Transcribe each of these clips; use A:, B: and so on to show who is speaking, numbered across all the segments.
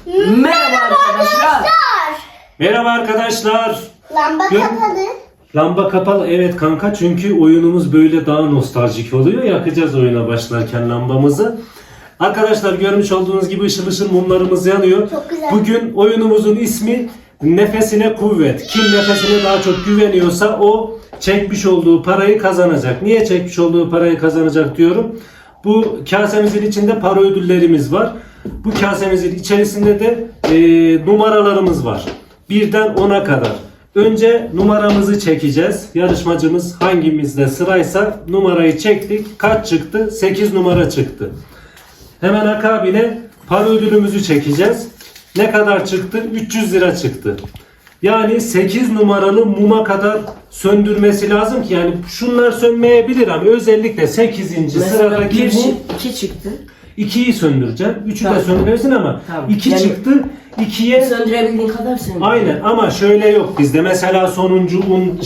A: Merhaba arkadaşlar.
B: Merhaba arkadaşlar.
C: Lamba kapalı.
B: Lamba kapalı, evet kanka, çünkü oyunumuz böyle daha nostaljik oluyor. Yakacağız oyuna başlarken lambamızı. Arkadaşlar görmüş olduğunuz gibi ışıl ışıl mumlarımız yanıyor.
C: Çok güzel.
B: Bugün oyunumuzun ismi Nefesine Kuvvet. Kim nefesine daha çok güveniyorsa o çekmiş olduğu parayı kazanacak. Niye çekmiş olduğu parayı kazanacak diyorum. Bu kasemizin içinde para ödüllerimiz var. Bu kasemizin içerisinde de numaralarımız var. 1'den 10'a kadar. Önce numaramızı çekeceğiz. Yarışmacımız hangimizde sıraysa numarayı çektik. Kaç çıktı? 8 numara çıktı. Hemen akabine para ödülümüzü çekeceğiz. Ne kadar çıktı? 300 lira çıktı. Yani 8 numaralı muma kadar söndürmesi lazım ki, yani şunlar sönmeyebilir ama özellikle 8. sıradaki mum
A: 2 çıktı.
B: 2'yi söndüreceğim. 3'ü de
A: Tamam.
B: söndürmesin ama
A: Tamam.
B: 2
A: Yani
B: çıktı. 2'ye
A: söndürebildiğin kadar söndür.
B: aynen, ama şöyle yok bizde. Mesela sonuncu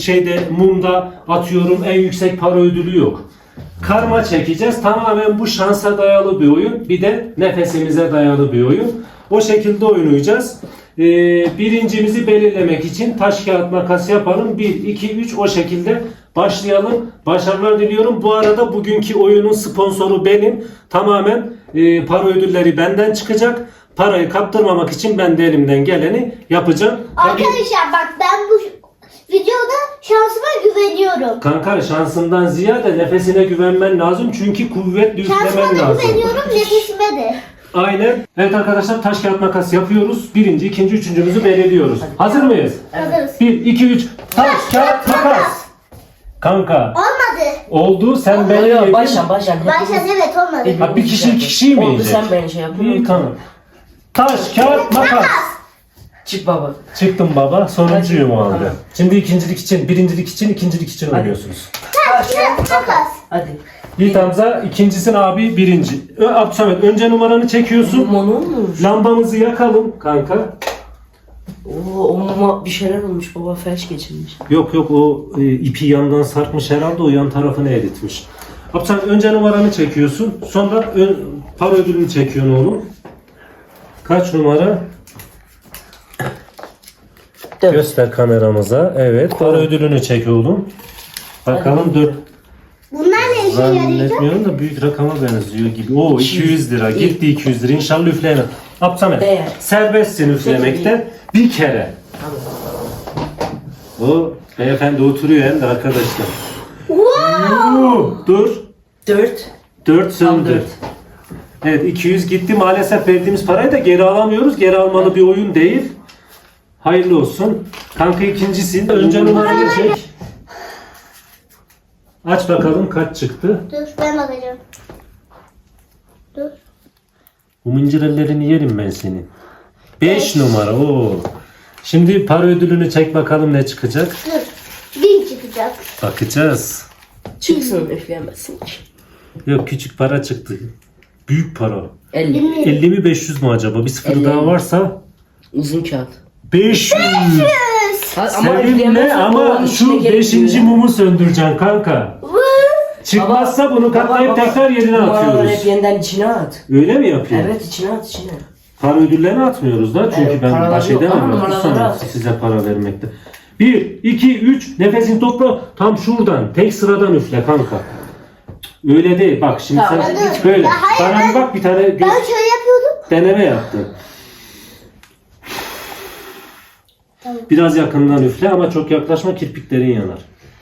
B: mumda atıyorum en yüksek para ödülü yok. Karma çekeceğiz. Tamamen bu şansa dayalı bir oyun. Bir de nefesimize dayalı bir oyun. O şekilde oynayacağız. Birincimizi belirlemek için taş kağıt makas yapalım. 1, 2, 3 o şekilde başlayalım. Başarılar diliyorum. Bu arada bugünkü oyunun sponsoru benim. Tamamen para ödülleri benden çıkacak. Parayı kaptırmamak için ben de elimden geleni yapacağım.
C: Arkadaşlar bak, ben bu videoda şansıma güveniyorum.
B: Kanka, şansından ziyade nefesine güvenmen lazım. Çünkü kuvvetli
C: Şansıma
B: üflemen
C: da
B: lazım.
C: güveniyorum, nefesime de.
B: Aynen. Evet arkadaşlar, taş kağıt makas yapıyoruz. Birinci, ikinci, üçüncümüzü belirliyoruz. Hazır mıyız?
C: Hazırız.
B: 1, 2, 3. Taş kağıt makas. Kanka.
C: Olmadı.
B: Oldu. Sen beni yedin.
A: Başla.
C: Baştan evet olmadı.
B: Ha, bir kişi iki kişiyi mi
A: Oldu,
B: yiyecek?
A: sen beni şey yapın.
B: İyi, tamam. Taş kağıt makas.
A: Çık baba.
B: Çıktım baba. Sonuncuyum o anda.
A: Tamam.
B: Şimdi birincilik için, ikincilik için oynuyorsunuz.
C: Taş kağıt makas.
A: Hadi.
B: Yiğit Hamza ikincisin, abi birinci. Abdülsamet, önce numaranı çekiyorsun.
A: Mum olmuş.
B: Lambamızı yakalım kanka.
A: Oo, o muma bir şeyler olmuş baba, felç geçirmiş.
B: Yok o ipi yandan sarkmış herhalde, o yan tarafını eritmiş. Abdülsamet, önce numaranı çekiyorsun. Sonra para ödülünü çekiyorsun oğlum. Kaç numara?
A: 4.
B: Göster kameramıza. Evet, para ödülünü çek oğlum. Bakalım 4.
C: Bunlar ne işe yarayacak?
B: Zannetmiyorum da büyük rakama benziyor gibi. Oo, 200 lira. Gitti 200 lira. İnşallah üfleyemem. Abdülsamet,
A: Değer.
B: serbestsin üflemekten. Bir kere. O beyefendi oturuyor hem de arkadaşlar. Dur.
A: 4.
B: 4 söndü.
A: Tam 4.
B: Evet, 200 gitti. Maalesef verdiğimiz parayı da geri alamıyoruz. Geri almalı bir oyun değil. Hayırlı olsun. Kanka ikincisin. Önce numarayı çek. Aç bakalım kaç çıktı.
C: Dur, ben bakacağım. Dur.
B: Bu mıncırellerini yerim ben senin. 5 numara. Oo. Şimdi para ödülünü çek bakalım ne çıkacak.
C: Dur. 1000 çıkacak.
B: Bakacağız.
A: Çıksın, üfleyemezsin.
B: Yok, küçük para çıktı. Büyük para.
A: 50.
B: 50 mi 500 mu acaba? Bir sıfır
A: 50.
B: daha varsa
A: Uzun kağıt.
B: 500. Seninle
A: üfleyemezsin,
B: ama
A: onun içine
B: şu
A: gerek
B: 5.
A: yok.
B: mumu söndüreceksin kanka. Çıkmazsa bunu katlayıp tekrar yerine
A: Numaraları
B: atıyoruz.
A: hep yeniden içine at.
B: Öyle mi yapıyor?
A: Evet, içine at, içine.
B: Para ödüllerini atmıyoruz da, çünkü
A: Evet,
B: ben
A: paraları
B: baş
A: yok ama
B: edemem.
A: numaraları
B: Sonra
A: at.
B: size para vermekte. 1, 2, 3. Nefesini topla. Tam şuradan. Tek sıradan üfle kanka. Öyle değil. Bak şimdi
A: Tamam,
B: sen
C: hadi.
B: böyle.
C: Ya hayır,
B: Bana bir bak, bir tane
C: Ben şöyle yapıyordum.
B: deneme yaptın.
C: Tamam.
B: Biraz yakından üfle ama çok yaklaşma, kirpiklerin yanar.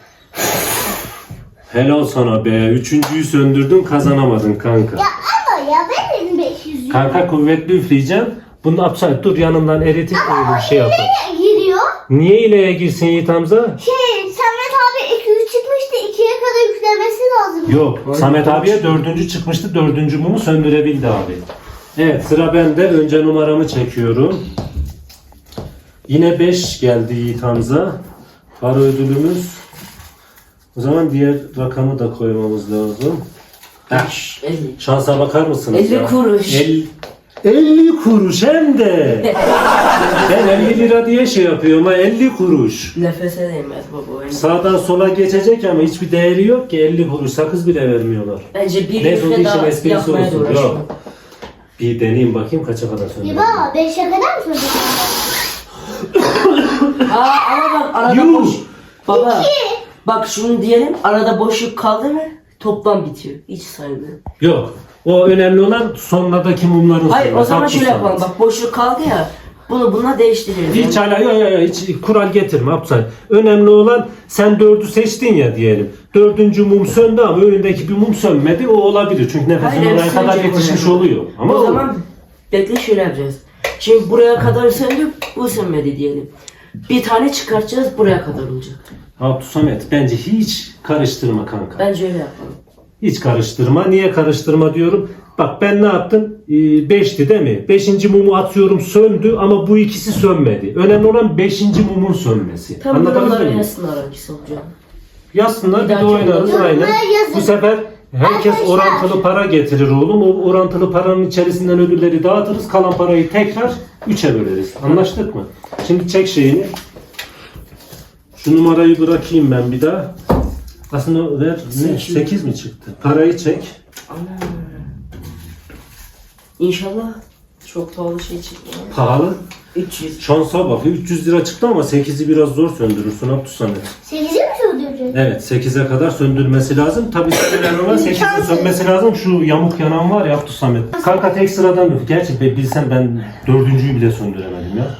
B: Helal sana be. Üçüncüyü söndürdün, kazanamadın kanka.
C: Ya ama ya ben dedim 500 lira.
B: Kanka kuvvetli üfleyeceğim. Bunu upside dur, yanından eritip öyle bir şey yapalım.
C: Nereye giriyor?
B: Niye ileye girsin Yiğit Hamza?
C: Samet abi 200 çıkmıştı. 2'ye kadar yüklemesi lazım.
B: Yok. Samet abiye 4. çıkmıştı. 4. mumu söndürebildi abi. Evet, sıra bende. Önce numaramı çekiyorum. Yine 5 geldi Yiğit Hamza. Para ödülümüz. O zaman diğer rakamı da koymamız lazım.
A: 50.
B: Şansa bakar mısınız
A: 50
B: ya?
A: kuruş.
B: 50 kuruş hem de. Ben 50 lira diye şey yapıyorum ha, 50 kuruş.
A: Nefese değmez baba.
B: Sağdan sola geçecek ama hiçbir değeri yok ki, 50 kuruş sakız bile vermiyorlar.
A: Bence bir
B: Neyse, o
A: üfle
B: işin
A: daha
B: esprisi
A: yapmaya
B: olsun.
A: uğraşalım.
B: Yok. Bir deneyeyim bakayım kaça kadar söndürüyor.
C: İbo 5'e kadar mı söylüyorsun?
A: Ama bak arada
B: Yuh!
A: boş. Baba. Bak şunu diyelim, arada boşluk kaldı mı toplam bitiyor. Hiç saymıyor.
B: Yok. O önemli olan sonradaki mumların
A: Hayır
B: sürmesi.
A: o zaman şöyle
B: Haklısın.
A: yapalım. Bak boşluk kaldı ya. Bununla değiştiririz.
B: Hiç hala hiç kural getirme Abdülhamit. Önemli olan sen 4'ü seçtin ya diyelim. 4. mum söndü ama önündeki bir mum sönmedi. O olabilir. Çünkü nefesin
A: Hayır,
B: oraya
A: hepsi
B: kadar
A: sönecek
B: yetişmiş
A: hocam.
B: oluyor. Ama
A: o zaman bekle şöyle yapacağız. Şimdi buraya kadar söndü, bu sönmedi diyelim. Bir tane çıkartacağız, buraya kadar olacak.
B: Abdülhamit bence hiç karıştırma kanka.
A: Bence öyle yapalım.
B: Hiç karıştırma. Niye karıştırma diyorum? Bak ben ne yaptım? 5'ti değil mi? 5. mumu atıyorum söndü ama bu ikisi sönmedi. Önemli olan 5. mumun sönmesi.
A: Tam
B: Anlatabildim
A: buraları
B: mi?
A: yazsınlar hangisi olacak.
B: Yazsınlar bir de
A: dahaki
B: oynarız
C: yorumlara
B: aynen.
C: yazın.
B: Bu sefer herkes
C: Arkadaşlar.
B: orantılı para getirir oğlum. O orantılı paranın içerisinden ödülleri dağıtırız. Kalan parayı tekrar 3'e böleriz. Anlaştık mı? Şimdi çek şeyini. Şu numarayı bırakayım ben bir daha. Aslında ver. 8 mi çıktı? Parayı çek.
A: Ana. İnşallah çok pahalı şey çıkmıyor.
B: Pahalı.
A: 300.
B: Şansa bak. 300 lira çıktı ama 8'i biraz zor söndürürsün Abdülhamit.
C: 8'e mi söylüyorsun?
B: Evet 8'e kadar söndürmesi lazım. Tabii önemli olan 8'e sönmesi lazım. Şu yamuk yanan var ya Abdülhamit. Kanka tek sıradan yok. Gerçi bilsem ben 4.'yü bile söndüremedim ya.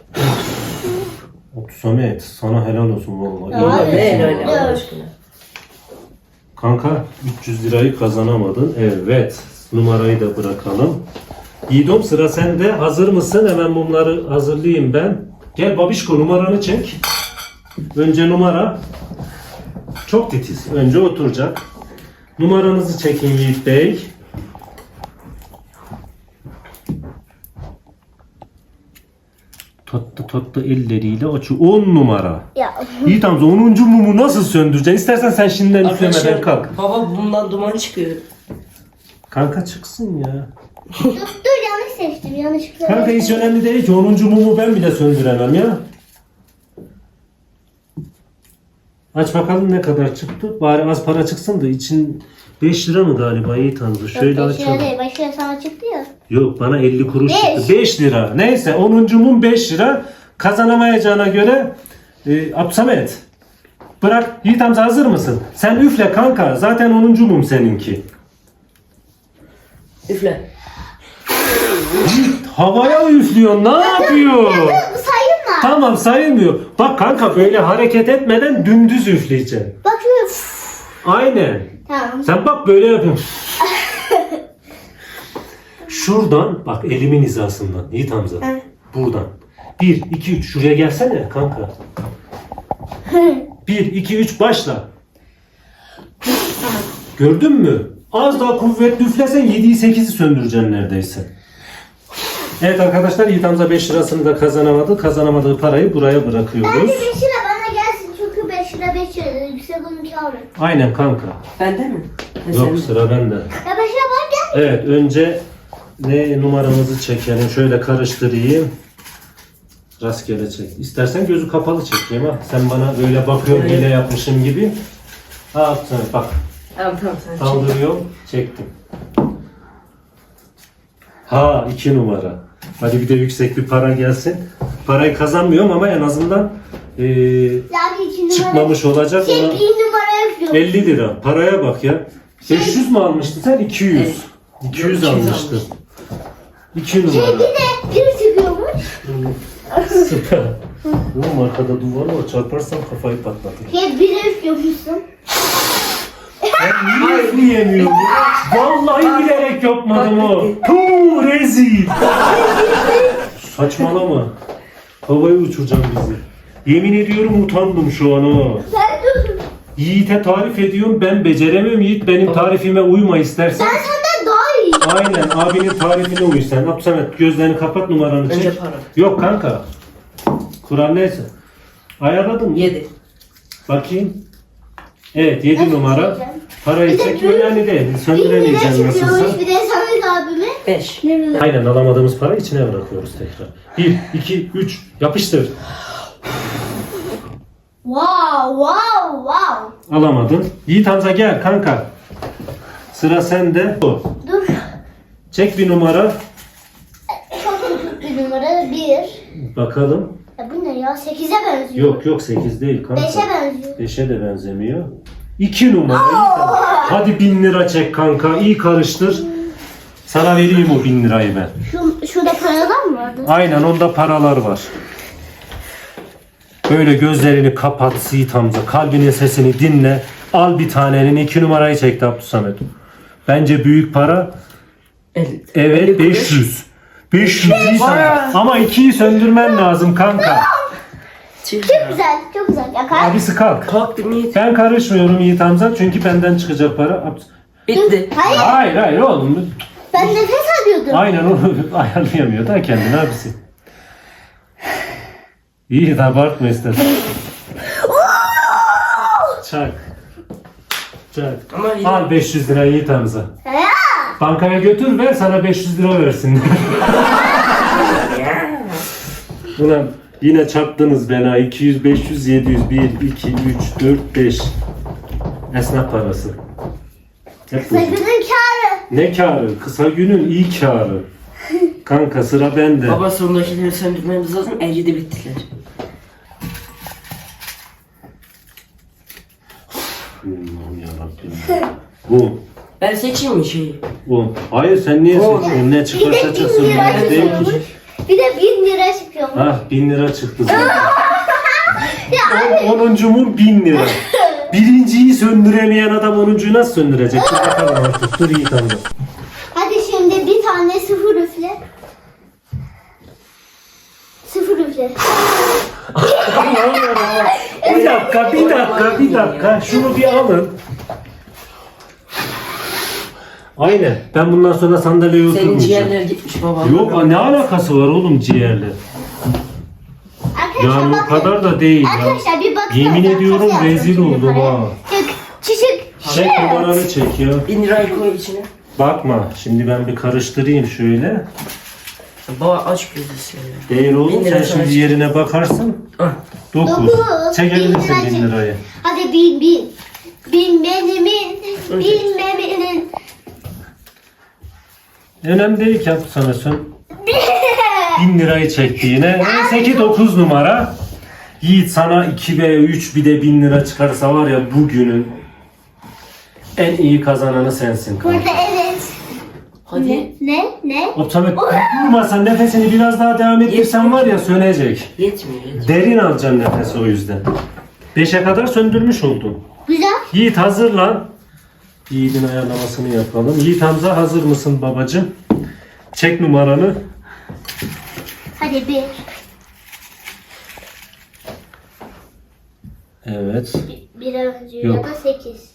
B: Abdülhamit sana helal olsun vallahi.
C: Aa,
B: İyi
A: Ne
B: yapmışsın
A: öyle
B: vallahi.
A: Allah aşkına.
B: Kanka 300 lirayı kazanamadın. Evet. Numarayı da bırakalım. Yiğidom sıra sende. Hazır mısın? Hemen mumları hazırlayayım ben. Gel babişko numaranı çek. Önce numara. Çok titiz. Önce oturacak. Numaranızı çekin Yiğit Bey. Tatlı elleriyle açıyor. 10 numara.
C: Ya.
B: Yiğit amca 10. mumu nasıl söndüreceksin? İstersen sen şimdiden üflemeden kalk.
A: Baba bundan duman çıkıyor.
B: Kanka çıksın ya.
C: Dur yanlış seçtim yanlışlıkla.
B: Kanka hiç önemli değil ki 10. mumu ben bile söndüremem ya. Aç bakalım ne kadar çıktı. Bari az para çıksın da için 5 lira mı galiba Yiğit amca? Şöyle açalım.
C: Başka sana çıktı ya.
B: Yok bana 50 kuruş
C: Beş.
B: çıktı. 5 lira. Neyse 10. mum 5 lira. Kazanamayacağına göre Abdülhamit bırak. Yiğit amca hazır mısın? Sen üfle kanka. Zaten 10. mum seninki.
A: Üfle.
B: Havaya üflüyor. Ne yapıyor?
C: Sayılma.
B: Tamam sayılmıyor. Bak kanka böyle hareket etmeden dümdüz üfleyeceksin.
C: Bak şöyle.
B: Aynen.
C: Tamam.
B: Sen bak böyle yapıyorsun. Şuradan bak elimin hizasından Yiğit Hamza.
C: Hı.
B: Buradan. 1, 2, 3 şuraya gelsene kanka. 1, 2, 3 başla. Gördün mü? Az daha kuvvetli üflesen 7'yi 8'i söndüreceksin neredeyse. Evet arkadaşlar Yiğit Hamza 5 lirasını da kazanamadı. Kazanamadığı parayı buraya bırakıyoruz.
C: Bence 5 lira bana gelsin çünkü 5 lira 5 lira yüksek onu çalır.
B: Aynen kanka.
A: Bende mi? Ha,
B: Yok
A: sen-
B: sıra bende.
C: Ya 5 lira bana gel.
B: Evet önce ne numaramızı çekelim. Şöyle karıştırayım. Rastgele çek. İstersen gözü kapalı çekeyim ha. Sen bana böyle bakıyorsun
A: Evet.
B: hile yapmışım gibi. Ha bak
A: Tamam sen çek.
B: kaldırıyorum. Çektim. Ha 2 numara. Hadi bir de yüksek bir para gelsin. Parayı kazanmıyorum ama en azından
C: Yani 2 numara.
B: çıkmamış olacak.
C: Şey
B: Ona
C: 1 numara yapıyorum.
B: 50 lira. Paraya bak ya. 500 mü almıştın sen? 200.
A: Evet.
B: 200
A: 200
B: almıştın. 2
C: Şey
B: numara.
C: bir de biri çıkıyormuş.
B: Süper. Oğlum arkada duvar var. Çarparsam kafayı patlatır.
C: Şey biri üflüyormuşsun.
B: Ben niye üfleyemiyorum? Vallahi bilerek yapmadım o. Puuu rezil. Saçmalama. Havaya uçuracağım bizi. Yemin ediyorum utandım şu an o.
C: Sen dur.
B: Yiğit'e tarif ediyorum ben beceremiyorum. Yiğit benim tarifime uyma istersen.
C: Ben senden daha iyi.
B: Aynen abinin tarifine uy sen. Abdülhamit gözlerini kapat numaranı çek.
A: Önce para.
B: Yok kanka. Kur'an neyse. Ayarladın mı?
A: 7.
B: Bakayım. Evet 7
C: Nasıl
B: numara.
C: çekeceğim?
B: Parayı
C: Bir de
B: çekmiyor
C: bir-
B: yani değil.
C: 1 lira
B: Söndüremeyeceğim nasılsa.
C: çıkıyormuş bir de Samet abime.
A: 5.
B: Aynen alamadığımız parayı içine bırakıyoruz tekrar. 1, 2, 3 yapıştır.
C: Wow.
B: Alamadın. Yiğit Hamza gel kanka. Sıra sende.
C: Dur.
B: Çek bir numara.
C: 1.
B: Bakalım.
C: Ya bu ne ya? 8'e benziyor.
B: Yok 8 değil kanka.
C: 5'e benziyor.
B: 5'e de benzemiyor. 2 numara. Hadi 1000 lira çek kanka. İyi karıştır. Sana vereyim o 1000 lirayı ben.
C: Şurada paralar mı vardı?
B: Aynen onda paralar var. Böyle gözlerini kapat Yiğit Hamza. Kalbinin sesini dinle. Al bir tanenin 2 numarayı çekti Abdülsamet. Bence büyük para. Evet 500. 500 Yiğit Hamza. Ama 2'yi söndürmen lazım kanka.
C: Çok güzel, çok güzel. Yakar.
B: Abisi kalk.
A: Kalktım Yiğit.
B: Ben karışmıyorum Yiğit Hamza çünkü benden çıkacak para.
A: Bitti.
C: Hayır,
B: Hayır oğlum.
C: ben nefes alıyordum.
B: Aynen onu ayarlayamıyor da kendini abisi. İyi de abartma istersen. Çak. Çak.
A: Ama yine-
B: Al 500 lira Yiğit Hamza.
C: Ya.
B: Bankaya götür ver sana 500 lira versin. Ulan yine çarptınız beni ha. 200, 500, 700, 1, 2, 3, 4, 5. Esnaf parası. Hep bu.
C: Günün kârı.
B: Ne kârı? Kısa günün iyi kârı. Kanka sıra bende.
A: Baba sondakileri söndürmemiz lazım. 50 de bittiler.
B: Allah'ım yarabbim. Bu.
A: Ben seçeyim mi şeyi?
B: Bu. Hayır sen niye
A: O.
B: seçiyorsun? Ne
C: Bir
B: çıkarsa
C: de
B: çıksın.
C: 1000 lira
B: Bana değil ki.
C: çıkıyormuş. Bir de 1000 lira çıkıyormuş.
B: Ah 1000 lira çıktı zaten.
C: Ya
B: 10'uncumun 1000 lira. Birinciyi söndüremeyen adam 10'uncuyu nasıl söndürecek? Dur bakalım artık. Dur iyi tamam.
C: hadi şimdi bir tane sıfır üfle. Sıfır üfle.
B: Bir dakika. Şunu bir alın. Aynen. Ben bundan sonra sandalyeye
A: Senin
B: oturmayacağım.
A: ciğerler gitmiş baba.
B: Yok ne alakası var oğlum ciğerle?
C: Arkadaşlar
B: Yani o
C: bakın.
B: kadar da değil ya.
C: Arkadaşlar bir bakın.
B: Yemin ediyorum rezil oldum ha.
C: Çık.
B: Çek numaranı çek ya.
A: 1000 lirayı koy içine.
B: Bakma şimdi ben bir karıştırayım şöyle.
A: Baba aç gözü ya.
B: Değil oğlum
A: 1000 lira
B: sen şimdi
A: sana
B: yerine bakarsın.
A: Ah.
B: 9.
C: Dokuz.
B: Çekebilirsin
C: 1000
B: 1000 lirayı.
C: Hadi bin. Bin benim. Bilmemenin.
B: Önemli değil ki sana sen. 1000 lirayı çekti yine. Neyse ki 9 numara. Yiğit sana 2 veya 3 bir de 1000 lira çıkarsa var ya bugünün en iyi kazananı sensin.
C: Burada evet.
A: Hadi.
C: Ne?
B: Optamet durmasan nefesini biraz daha devam ettirsen var ya sönecek.
A: Yetmiyor.
B: Derin alacaksın nefesi o yüzden. 5'e kadar söndürmüş oldun.
C: Güzel.
B: Yiğit hazırlan. Yiğit'in ayarlamasını yapalım. Yiğit Hamza hazır mısın babacığım? Çek numaranı.
C: Hadi bir.
B: Evet.
C: Bir önce ya
B: Yok.
C: da 8.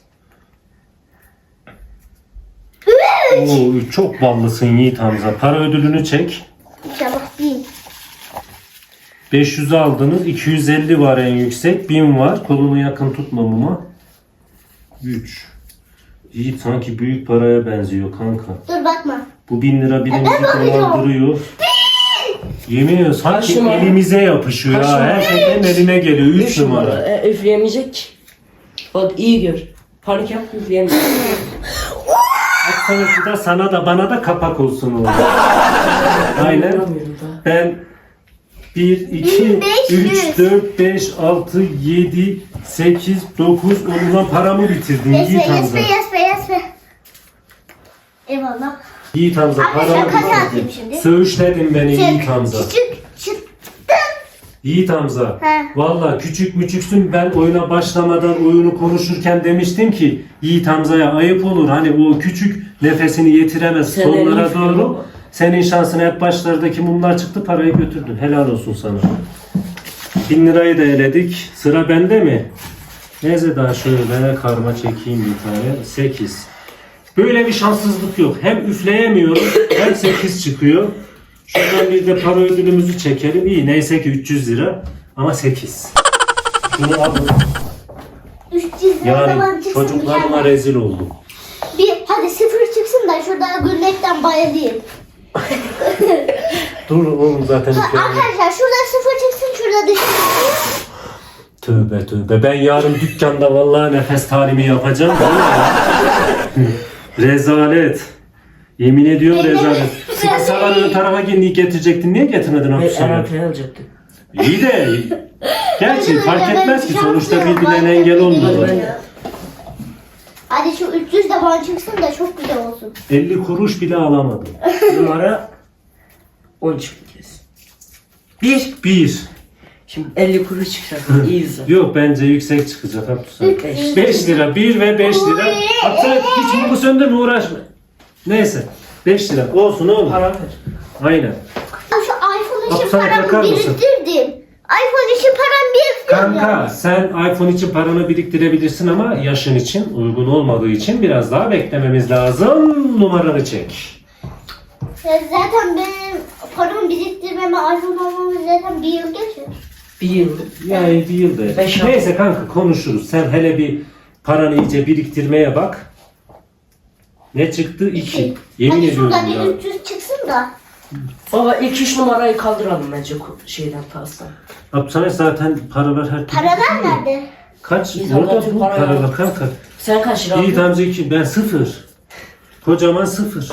B: Oo, çok ballısın Yiğit Hamza. Para ödülünü çek.
C: İnşallah 1000.
B: 500'ü aldınız. 250 var en yüksek. 1000 var. Kolunu yakın tutmamama. 3. Yiğit sanki büyük paraya benziyor kanka.
C: Dur bakma.
B: Bu 1000 lira birimizi
C: Ben bakıyorum.
B: dolandırıyor. Yemin ediyorum sanki
A: Kaç numara?
B: elimize yapışıyor
A: Kaç
B: ha.
A: numara?
B: Her şeyden eline geliyor. 3
A: 3
B: numara.
A: numara. Üfleyemeyecek. Bak iyi gör. Panik yapma üfleyemeyecek.
B: Hastalıklı da sana da bana da kapak olsun oğlum. Aynen.
A: Yapamıyorum daha.
B: Ben 1, 2,
C: 1500.
B: 3, 4, 5, 6, 7, 8, 9, 10'dan paramı bitirdin Yiğit Hamza.
C: Yes be. Eyvallah.
B: Yiğit Hamza
C: Arkadaşlar,
B: paramı
C: kaç atayım
B: bitirdin.
C: şimdi?
B: Söğüşledin beni Yiğit
C: Çık.
B: Hamza.
C: Çık.
B: Yiğit Hamza.
C: He.
B: Valla küçük müçüksün ben oyuna başlamadan oyunu konuşurken demiştim ki Yiğit Hamza'ya ayıp olur. Hani o küçük nefesini yetiremez
A: Sen
B: sonlara
A: elini
B: doğru.
A: baba.
B: Senin şansına hep başlardaki mumlar çıktı parayı götürdün. Helal olsun sana. 1000 lirayı da eledik. Sıra bende mi? Neyse daha şöyle karma çekeyim bir tane. 8. Böyle bir şanssızlık yok. Hem üfleyemiyorum hem 8 çıkıyor. Şuradan bir de para ödülümüzü çekelim. İyi neyse ki 300 lira ama 8. Bunu alın.
C: 300 lira
B: Yani
C: zaman çıksın.
B: çocuklarıma
C: mükemmel.
B: rezil oldum.
C: Hadi 0 çıksın da şurada gülmekten bayılayım.
B: Dur oğlum zaten üfleyemem.
C: Arkadaşlar şurada 0 çıksın şurada dışarı.
B: Tövbe. Ben yarın dükkanda vallahi nefes talimi yapacağım. Vallahi. Rezalet. Yemin ediyorum
C: Benim-
B: rezalet. Sıkısalar ön tarafa getirecektin. Niye getirmedin
A: Hayır, en
B: Abdülsamet?
A: arkaya alacaktım.
B: İyi de gerçi
C: Benim
B: fark
C: öyle
B: etmez ki
C: ben
B: sonuçta
C: şanslıyım,
B: birbirlerine
C: ben
B: engel
C: de
B: olmuyor.
C: bilmiyorum. Hadi şu 300 de bana çıksın da çok güzel olsun.
B: 50 kuruş bile alamadım.
A: Numara 13 bir kez. 1.
B: 1.
A: Şimdi 50 kuruş çıkacak. İyi güzel.
B: Yok bence yüksek çıkacak Abdülsamet.
A: 5.
B: 5 lira. 1 ve 5 lira. Abdülsamet hiç mumu söndürme uğraşma. Neyse. 5 lira. Olsun oğlum.
A: Para ver.
B: Aynen.
C: Şu iPhone için
B: Abdülsamet bakar
C: paramı
B: mısın?
C: biriktirdim. iPhone için param biriktirdim.
B: Kanka sen iPhone için paranı biriktirebilirsin ama yaşın için uygun olmadığı için biraz daha beklememiz lazım. Numaranı çek.
C: Ya zaten benim paramı biriktirmeme iPhone almamız zaten bir yıl geçiyor.
A: 1 yıl.
B: Yani bir yılda.
A: Beş ay.
B: Neyse kanka konuşuruz. Sen hele bir paranı iyice biriktirmeye bak. Ne çıktı? 2. Yemin
C: Hadi
B: ediyorum
C: şuradan
B: ya.
C: bir 300 çıksın da.
A: Baba ilk 3 numarayı kaldıralım bence şeyden pastan.
B: Abdülsamet zaten para var her türlü.
C: Paralar nerede?
B: Kaç?
A: İyi,
B: Orada
A: zaten
B: bu
A: para
B: para
A: yok.
B: var kanka.
A: Sen kaç lira
B: İyi
A: aldın?
B: tamam 2. Ben 0. Kocaman 0.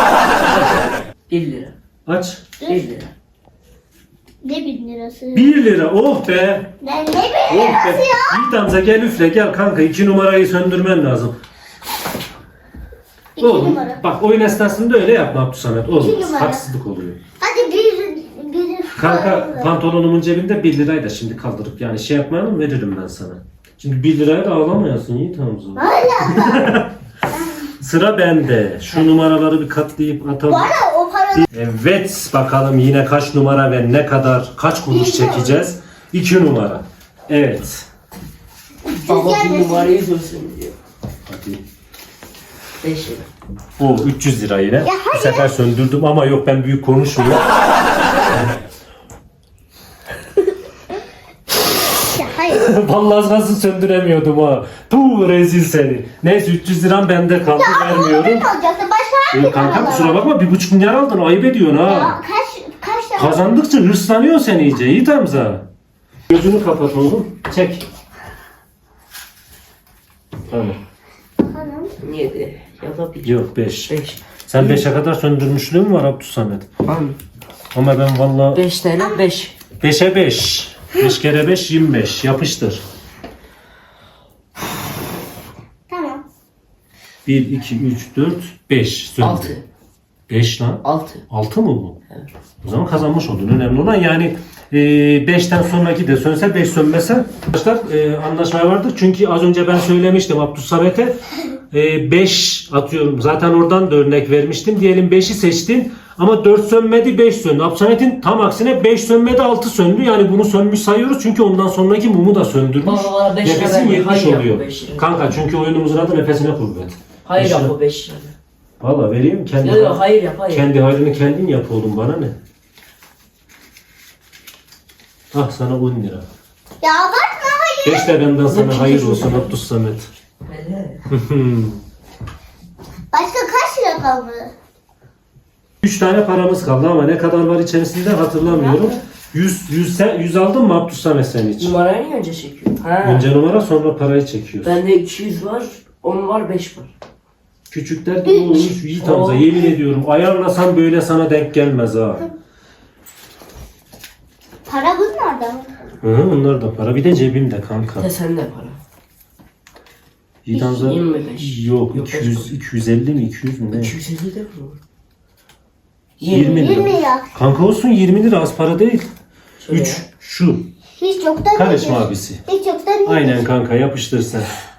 A: 1 lira.
B: Aç.
A: 1 lira.
C: Ne 1000 lirası?
B: 1 lira. Oh be.
C: Ne 1000
B: Oh
C: lirası
B: be.
C: ya?
B: Yiğit amca gel üfle gel kanka 2 numarayı söndürmen lazım.
C: 2
B: Oğlum
C: numara.
B: bak oyun esnasında öyle yapma Abdülsamet. Oğlum
C: İki numara.
B: haksızlık oluyor.
C: Hadi bir
B: Kanka pantolonumun cebinde 1 lirayı da şimdi kaldırıp yani şey yapmayalım veririm ben sana. Şimdi 1 liraya da ağlamayasın Yiğit amca.
C: Hala.
B: Sıra bende. Şu numaraları bir katlayıp atalım.
C: Bana o para
B: Evet bakalım yine kaç numara ve ne kadar kaç kuruş çekeceğiz. 2 numara. Evet.
A: Baba
C: gelmesin.
A: bir numarayı görsün diyor.
B: Hadi.
A: 5 lira.
B: O 300 lira yine. Bu
C: hadi.
B: sefer söndürdüm ama yok ben büyük konuşmuyorum.
C: ya hayır.
B: Vallahi nasıl söndüremiyordum ha. Puh rezil seni. Neyse 300 liram bende kaldı vermiyorum.
C: Ne olacaktı? Başka hangi
B: Kanka
C: paralar
B: kusura
C: var?
B: bakma 1,5 milyar aldın ayıp ediyorsun ha.
C: Ya kaç tane?
B: Kazandıkça hırslanıyor sen iyice Yiğit Hamza. Gözünü kapat oğlum. Çek. Tamam.
C: Hanım.
A: 7 ya da 1.
B: Yok 5.
A: 5.
B: Sen 5'e kadar söndürmüşlüğün var Abdülsamet.
A: Tamam.
B: Ama ben valla
A: 5 TL 5.
B: 5'e 5. 5 kere 5 25. Yapıştır.
C: Tamam.
B: 1, 2, 3, 4, 5.
A: 6.
B: 5 lan.
A: 6.
B: 6 mı bu? Evet. O zaman kazanmış oldun. Önemli olan yani 5'ten sonraki de sönse 5 sönmese. Arkadaşlar anlaşmaya vardık. Çünkü az önce ben söylemiştim Abdülsamet'e 5 atıyorum. Zaten oradan da örnek vermiştim. Diyelim 5'i seçtin ama 4 sönmedi 5 söndü. Abdülsamet'in tam aksine 5 sönmedi 6 söndü. Yani bunu sönmüş sayıyoruz. Çünkü ondan sonraki mumu da söndürmüş.
A: Baba, beş lira
B: Nefesin
A: verme.
B: yetmiş
A: Hayır,
B: oluyor.
A: bu 5 lira.
B: Kanka çünkü oyunumuzun adı nefesine kuvvet.
A: Hayır
B: Beş
A: yap
B: lira.
A: o 5 lira.
B: Valla vereyim kendi.
A: Yok yok hayır yap hayır.
B: Kendi hayrını kendin yap oğlum bana ne? Ah sana 10 lira.
C: Ya abartma hayır.
B: 5 de benden sana
A: Ne
B: hayır
A: çekiyorsun?
B: olsun Abdülsamet.
A: Hele.
C: Başka kaç lira kaldı?
B: 3 tane paramız kaldı ama ne kadar var içerisinde hatırlamıyorum. 100 aldın mı Abdülsamet sen hiç?
A: Numarayı niye önce çekiyor? Ha.
B: Önce numara sonra parayı çekiyorsun.
A: Bende 200 var, 10 var, 5 var.
B: Küçükler gibi olmuş Yiğit Hamza
A: Oo.
B: yemin ediyorum. Ayarlasam böyle sana denk gelmez ha.
C: Para bunlardan.
B: Hı, onlar da para. Bir de cebimde kanka.
A: Ne sende para?
B: Yiğit Hamza
A: 25.
B: yok
A: Yok,
B: 200 250 mi 200 mü ne?
A: 250 de mi?
B: 20 lira.
C: 20 lira.
B: Kanka olsun 20 lira az para değil.
A: Şöyle
B: 3
A: ya.
B: şu.
C: Hiç yoktan
B: Karışma
C: nedir?
B: abisi.
C: Hiç yoktan nedir?
B: Aynen kanka yapıştır sen.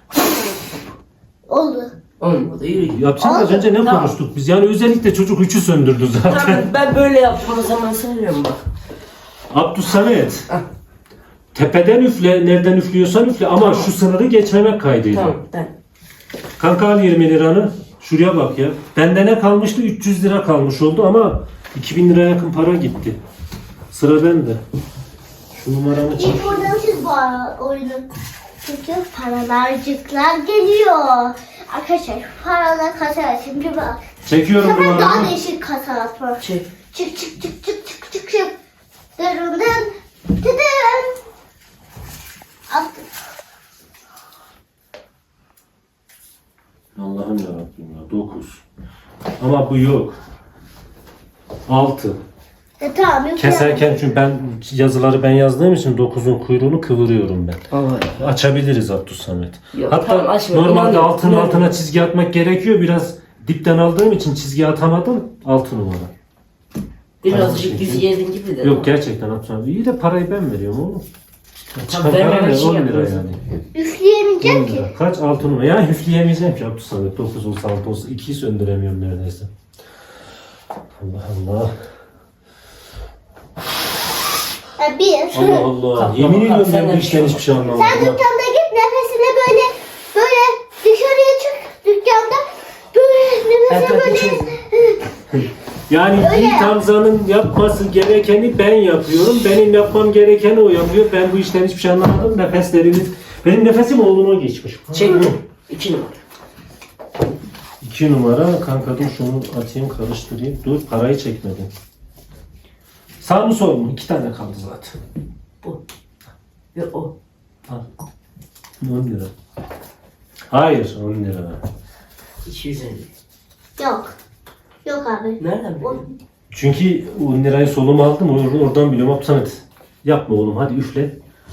C: Oldu.
A: Olmadı yürü.
B: Yapsana az önce ne
A: Tamam.
B: konuştuk biz? Yani özellikle çocuk 3'ü söndürdü zaten.
A: Tamam, ben böyle yaptım o zaman söylüyorum bak.
B: Abdülsamet.
A: Ah.
B: Tepeden üfle, nereden üflüyorsan üfle ama şu sınırı geçmemek kaydıyla.
A: Tamam ben.
B: Kanka al 20 liranı. Şuraya bak ya. Bende ne kalmıştı? 300 lira kalmış oldu ama 2000 liraya yakın para gitti. Sıra bende. Şu numaramı çek.
C: İlk buradanmışız bu oyunu. Çünkü paralarcıklar geliyor. Arkadaşlar paralar kasa şimdi bak. Bu
B: Çekiyorum
C: sefer daha
B: numaramı.
C: değişik kasa atma.
A: Çek.
C: Çık çık çık çık çık çık çık. Dırın dın. Tıdın. Attık.
B: Allah'ım yarabbim ya 9. Ama bu yok. 6.
C: Tamam yok.
B: Keserken çünkü yazıları ben yazdığım için 9'un kuyruğunu kıvırıyorum ben.
A: Aa,
B: Açabiliriz Abdülsamet.
A: Yok,
B: Hatta
A: tamam, açma.
B: normalde
A: İnanıyorum,
B: altının
A: inanıyorum.
B: altına çizgi atmak gerekiyor. Biraz dipten aldığım için çizgi atamadım. 6 numara.
A: birazcık yüz yedin gibi de.
B: Yok gerçekten Abdülsamet. İyi de parayı ben veriyorum oğlum.
A: Tamam,
B: Çıkan para
A: vermemek
B: ne?
A: için
B: 10 lira
A: yapıyorsun.
B: yani. 10
C: Üfleyemeyeceğim ki.
B: lira. Kaç? 6 numara. Ya üfleyemeyeceğim ki Abdülsamet. 9 olsa 6 olsa 2'yi söndüremiyorum neredeyse. Allah Allah.
C: Bir.
B: Allah Allah.
A: Kalk,
B: Yemin
A: kalk,
B: ediyorum
A: sen
B: ben
A: de
B: bu
A: bir
B: işten
A: şey
B: hiçbir şey anlamadım.
C: Sen dükkanda git nefesine böyle dışarıya çık dükkanda böyle nefesine böyle
B: Yani Yiğit Hamza'nın yapması gerekeni ben yapıyorum. Benim yapmam gerekeni o yapıyor. Ben bu işten hiçbir şey anlamadım. Nefesleriniz... Benim nefesim oğluma geçmiş.
A: Çek. 2 numara.
B: 2 numara. Kanka dur şunu atayım karıştırayım. Dur parayı çekmedim. Sağ mı sol mu? 2 tane kaldı zaten.
A: Bu. Ve o.
B: Al. 10 lira. Hayır 10 lira.
A: 250.
C: yok. Yok abi.
A: Nereden biliyorsun?
B: Çünkü 10 lirayı soluma aldım. Oradan biliyorum. Abdülsamet yapma oğlum hadi üfle.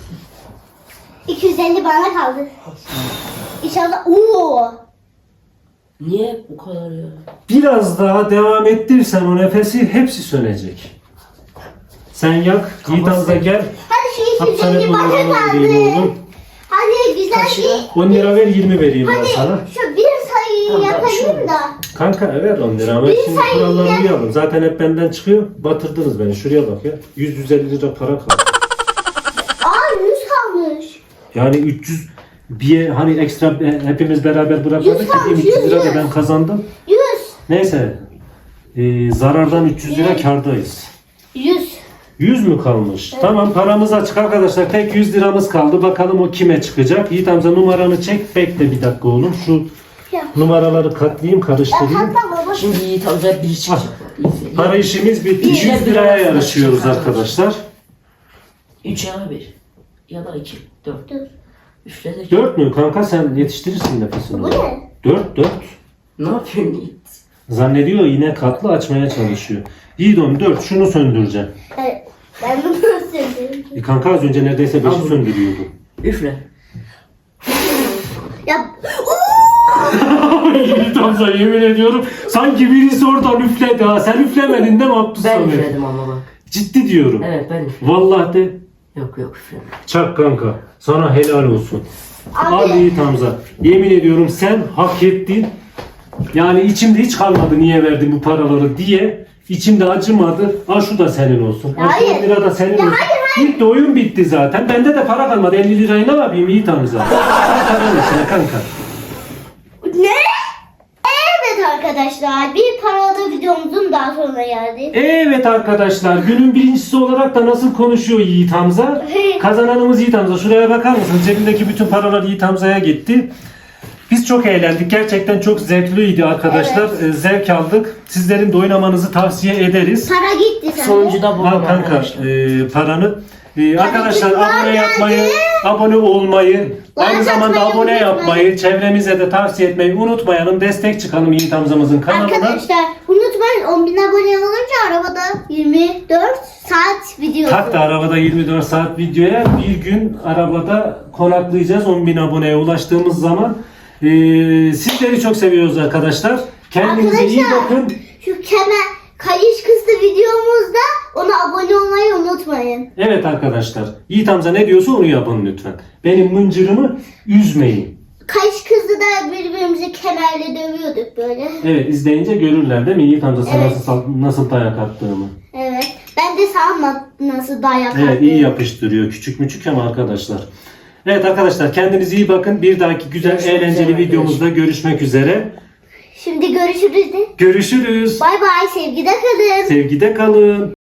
C: 250 bana kaldı. İnşallah. Oo.
A: Niye bu kadar ya?
B: Biraz daha devam ettirsen o nefesi hepsi sönecek. Sen yak, Yiğit Hamza gel.
C: Hadi şu
B: Abdülsamet
C: 250 bana
B: numaranı vereyim
C: kaldı.
B: oğlum.
C: Hadi güzel
A: Kaç
C: bir.
A: lira?
B: 10 lira ver 20 vereyim ben sana.
C: Hadi şu bir sayıyı
A: Tamam,
C: yapayım
A: şu-
C: da.
B: Kanka ver 10 lira ama
C: Bir
B: şimdi
C: sayı
B: kuralları
C: ya.
B: uyalım. Zaten hep benden çıkıyor. Batırdınız beni. Şuraya bak ya. 100-150 lira para kaldı.
C: Aa 100 kalmış.
B: Yani 300 bir hani ekstra hepimiz beraber bırakmadık.
C: 100 kalmış,
B: Dediğim 300 lira da
C: 100.
B: ben kazandım.
C: 100.
B: Neyse. Zarardan 300 lira kârdayız.
C: 100.
B: 100 mü kalmış? Tamam paramız açık arkadaşlar. Tek 100 liramız kaldı. Bakalım o kime çıkacak. Yiğit Hamza numaranı çek. Bekle bir dakika oğlum. Şu
C: Ya.
B: numaraları katlayayım karıştırayım.
C: Hatta baba.
A: Şimdi Yiğit Hamza biri çıkacak. İzle.
B: Para işimiz bitti. 100 liraya yarışıyoruz arkadaşlar.
A: 3 ya da 1. Ya da 2. 4.
C: Dur.
A: Üfledik.
B: 4 mü kanka sen yetiştirirsin nefesini.
C: Bu ne?
B: 4.
A: Ne yapıyorsun Yiğit?
B: Zannediyor yine katlı açmaya çalışıyor. İyi don 4 şunu söndüreceğim.
C: Evet. Ben bunu söyleyeyim.
B: Kanka az önce neredeyse 5'i
A: Al.
B: söndürüyordu.
A: Üfle.
C: Ya.
B: Yiğit Hamza yemin ediyorum sanki birisi oradan üfledi ha. Sen üflemedin değil mi
A: Ben
B: Abdülsamet?
A: üfledim ama bak.
B: Ciddi diyorum.
A: Evet ben üfledim.
B: Vallahi de.
A: Yok yok üfledim.
B: Çak kanka. Sana helal olsun.
C: Abi.
B: Al Yiğit Hamza. Yemin ediyorum sen hak ettin. Yani içimde hiç kalmadı niye verdin bu paraları diye. İçimde acımadı. Al şu da senin olsun. Al şu
C: Hayır.
B: lira da senin
C: Ya
B: olsun.
C: hayır,
B: İlk de oyun bitti zaten. Bende de para kalmadı. 50 lirayı ne yapayım Yiğit Hamza? Al paranı içine kanka.
C: Ne? Evet arkadaşlar bir paralı videomuzun daha sonuna geldik.
B: Evet arkadaşlar günün birincisi olarak da nasıl konuşuyor Yiğit Hamza? Kazananımız Yiğit Hamza. Şuraya bakar mısınız? Cebindeki bütün paralar Yiğit Hamza'ya gitti. Biz çok eğlendik. Gerçekten çok zevkliydi arkadaşlar. Zevk aldık. Sizlerin de oynamanızı tavsiye ederiz.
C: Para gitti sende.
A: Sonuncuda
B: Al
A: babam
B: kanka
A: arkadaşlar.
B: paranı. Arkadaşlar
C: Tabii ki
B: abone
C: var
B: yapmayı,
C: geldi.
B: abone olmayı, aynı
C: Like
B: zamanda
C: atmayı
B: abone
C: unutmayın.
B: yapmayı, çevremize de tavsiye etmeyi unutmayalım. Destek çıkalım Yiğit Hamza'mızın kanalına.
C: Arkadaşlar unutmayın 10.000 abone olunca arabada 24 saat video.
B: Tak da arabada 24 saat videoya bir gün arabada konaklayacağız 10.000 aboneye ulaştığımız zaman. Sizleri çok seviyoruz arkadaşlar. Kendinize iyi
C: Arkadaşlar,
B: bakın.
C: Şu kemer kayış kızı videomuzda ona abone olmayı unutmayın.
B: Evet arkadaşlar. Yiğit Hamza ne diyorsa onu yapın lütfen. Benim mıncırımı üzmeyin.
C: Kayış kızı da birbirimizi kemerle dövüyorduk böyle.
B: Evet izleyince görürler değil mi Yiğit Hamza sana
C: Evet.
B: nasıl dayak attığımı.
C: Evet. Ben de sana nasıl dayak
B: Evet
C: attım.
B: iyi yapıştırıyor. Küçük müçük ama arkadaşlar. Evet arkadaşlar kendinize iyi bakın. Bir dahaki güzel
A: Görüşmek
B: eğlenceli
A: üzere
B: videomuzda görüşmek üzere.
C: Şimdi görüşürüz de.
B: Görüşürüz.
C: Bay bay sevgide kalın.
B: Sevgide kalın.